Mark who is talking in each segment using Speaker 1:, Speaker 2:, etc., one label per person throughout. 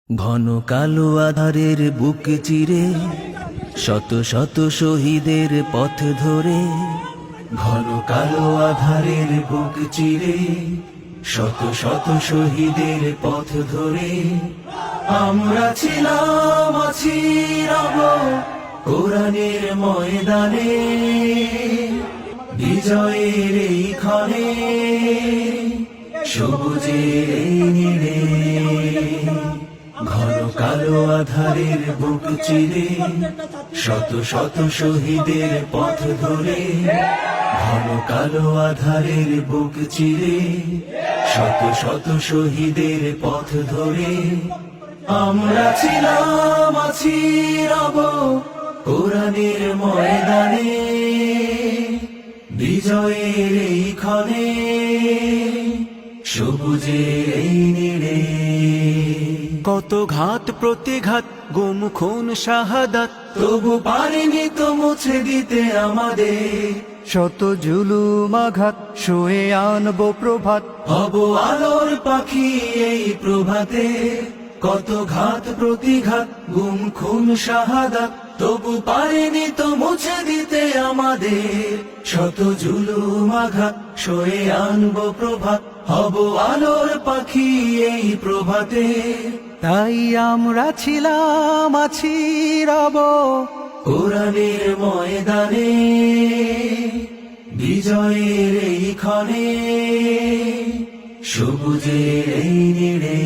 Speaker 1: ঘন কালো আধারের বুক চিরে শত শত শহীদের পথ ধরে, ঘন কালো আধারের বুক চিরে শত শত শহীদের পথ ধরে আমরা ছিলাম, আছি, রব কোরআনের ময়দানে, বিজয়ের এই ক্ষণে, সবুজের এই নীড়ে। ঘন কালো আধারের বুক চিরে শত শত শহীদের পথ ধরে, ঘন কালো আধারের বুক চিরে শত শত শহীদের পথ ধরে আমরা ছিলাম, আছি, রব কোরআনের ময়দানে, বিজয়ের এই ক্ষণে, সবুজের এই নীড়ে।
Speaker 2: কত ঘাত প্রতিঘাত, গুম খুন শাহাদাত,
Speaker 1: তবু পারিনি তো মুছে দিতে আমাদের
Speaker 2: শত জুলুম আঘাত, শুয়ে আনবো প্রভাত।
Speaker 1: হব আলোর পাখি এই প্রভাতে, কত ঘাত প্রতিঘাত, গুম খুন শাহাদাত, তবু পারিনি তো মুছে দিতে আমাদের শত জুলুম আঘাত, সয়ে আনবো প্রভাত। হব আলোর পাখি এই প্রভাতে,
Speaker 2: তাই আমরা ছিলাম, আছি, রব
Speaker 1: কোরআনের ময়দানে, বিজয়ের এই ক্ষণে, সবুজের এই নীড়ে।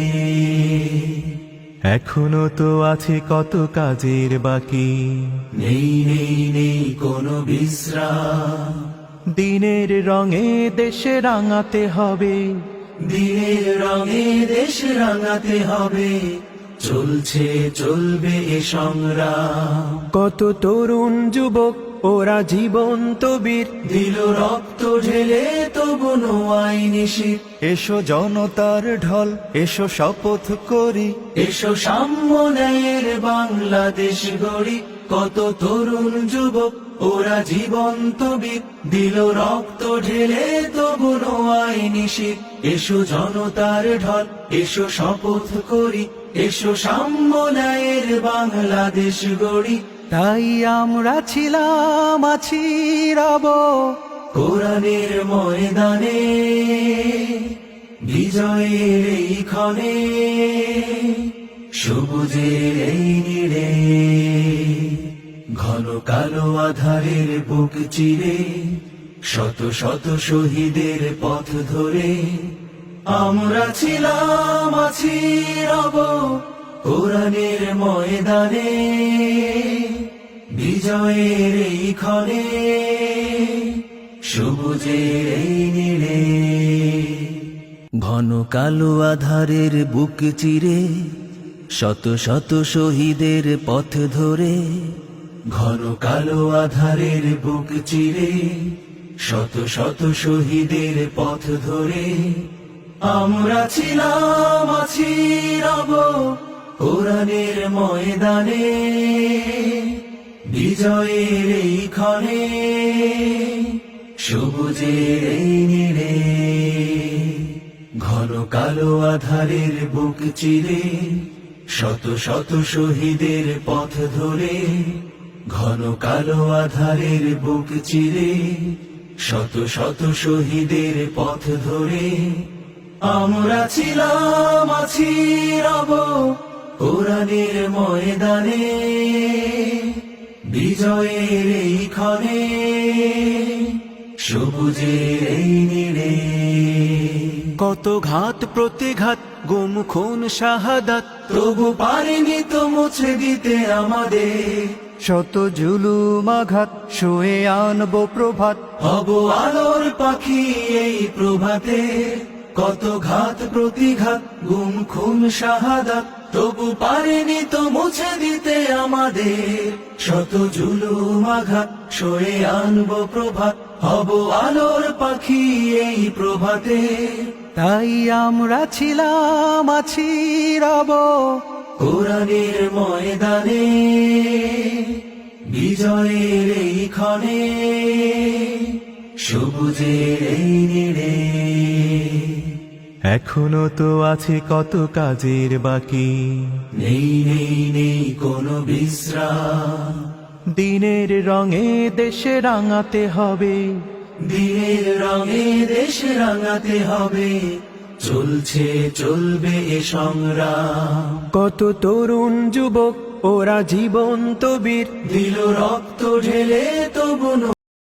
Speaker 2: এখনো তো আছে কত কাজের বাকি,
Speaker 1: নেই নেই নেই কোনো বিশ্রাম,
Speaker 2: দিনের রঙে দেশে রাঙাতে হবে,
Speaker 1: দিনের রঙে দেশ রাঙাতে হবে, চলছে চলবে এ সংগ্রাম।
Speaker 2: কত তরুণ যুবক ওরা জীবন্ত বীর,
Speaker 1: দিল রক্ত ঢেলে তবু নোয়াই নিশিত।
Speaker 2: এসো জনতার ঢল, এসো শপথ করি,
Speaker 1: এসো সাম্য ন্যায়ের বাংলাদেশ গড়ি। কত তরুণ যুবক ওরা জীবন্ত বীর, দিল রক্ত ঢেলে তবু নোয়াই নিশিত। এসো জনতার ঢল, এসো শপথ করি, এসো সাম্য ন্যায়ের বাংলাদেশ গড়ি।
Speaker 2: তাই আমরা ছিলাম, আছি, রব
Speaker 1: কোরআনের ময়দানে, বিজয়ের এই ক্ষণে, সবুজের এই নীড়ে। ঘন কালো আধারের বুক চিরে শত শত শহীদের পথ ধরে আমরা ছিলাম, আছি, রব কোরআনের ময়দানে, বিজয়ের এই ক্ষণে, সবুজের এই নীড়ে। ঘন কালো আধারের বুক চিরে শত শত শহীদের পথ ধরে, ঘন কালো আধারের বুক চিরে শত শত শহীদের পথ ধরে আমরা ছিলাম, আছি, রব কোরআনের ময়দানে, বিজয়ের এই ক্ষণে, সবুজের এই নীড়ে। ঘন কালো আধারের বুক চিরে শত শত শহীদের পথ ধরে, ঘন কালো আধারের বুক চিরে শত শত শহীদের পথ ধরে আমরা ছিলাম, আছি, রব কোরআনের ময়দানে, বিজয়ের এই ক্ষণে, সবুজের এই নীড়ে।
Speaker 2: কত ঘাত প্রতিঘাত, গুম খুন শাহাদাত,
Speaker 1: তবু পারিনি তো মুছে দিতে আমাদের
Speaker 2: শত জুলুম আঘাত, শুয়ে আনবো প্রভাত।
Speaker 1: হব আলোর পাখি এই প্রভাতে, কত ঘাত প্রতিঘাত, গুম খুন শাহাদাত, তবু পারিনি তো মুছে দিতে আমাদের শত জুলুম আঘাত, সয়ে আনবো প্রভাত। হব আলোর পাখি এই প্রভাতে,
Speaker 2: তাই আমরা ছিলাম, আছি, রব
Speaker 1: কোরআনের ময়দানে, বিজয়ের এই ক্ষণে, সবুজের এই নীড়ে।
Speaker 2: এখনো তো আছে কত কাজের বাকি।
Speaker 1: নেই নেই নেই কোনো বিশ্রাম,
Speaker 2: দিনের রঙে দেশে রাঙাতে হবে,
Speaker 1: দিনের রঙে দেশ রাঙাতে হবে, চলছে চলবে এ সংগ্রাম।
Speaker 2: কত তরুণ যুবক ওরা জীবন্ত বীর,
Speaker 1: দিল রক্ত ঢেলে তবু